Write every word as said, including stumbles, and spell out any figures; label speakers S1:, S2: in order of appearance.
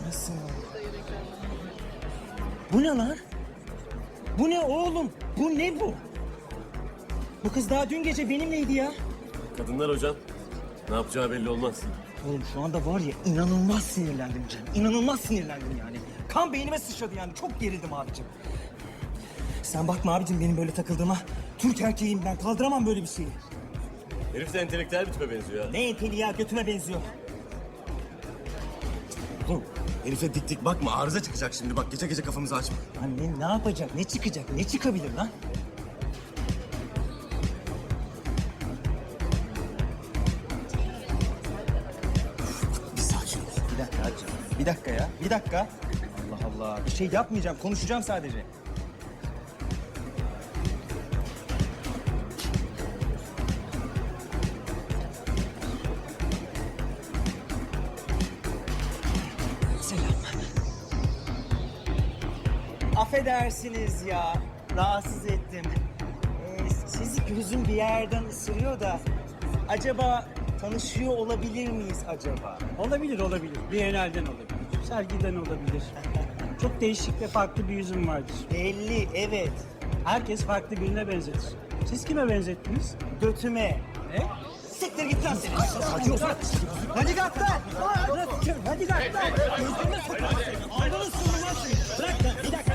S1: kahretsin ya. Bu ne lan? Bu ne oğlum? Bu ne bu? Bu kız daha dün gece benimleydi ya.
S2: Kadınlar hocam. Ne yapacağı belli olmaz.
S1: Oğlum şu anda var ya inanılmaz sinirlendim Cem. İnanılmaz sinirlendim yani. Kan beynime sıçradı yani. Çok gerildim abicim. Sen bakma abicim benim böyle takıldığıma. Türk erkeğim ben. Kaldıramam böyle bir şeyi.
S2: Herif de entelektüel bir tipe benziyor ya.
S1: Ne enteli ya götüme benziyor.
S2: Oğlum herife dik dik bakma, arıza çıkacak şimdi. Bak gece gece kafamızı açma.
S1: Lan ne, ne yapacak? Ne çıkacak? Ne çıkabilir lan?
S2: Bir sakin ol.
S1: Bir dakika hacı. Bir dakika ya. Bir dakika. Allah Allah. Bir şey yapmayacağım. Konuşacağım sadece. Selam. Affedersiniz ya. Rahatsız ettim. Ee, sizi gözüm bir yerden ısırıyor da... Acaba tanışıyor olabilir miyiz acaba?
S3: Olabilir, olabilir. Bienalden olabilir. Sergiden olabilir. Çok değişik ve farklı bir yüzüm vardır.
S1: Belli, evet.
S3: Herkes farklı birine benzetir. Siz kime benzettiniz?
S1: Götüme.
S3: Ne?
S1: Siktir git lan seni. Hadi uzat. Hadi kalk lan. Hadi kalk lan. Gözüme sokma seni. Anladın mı lan seni? Bırak lan. Bir dakika.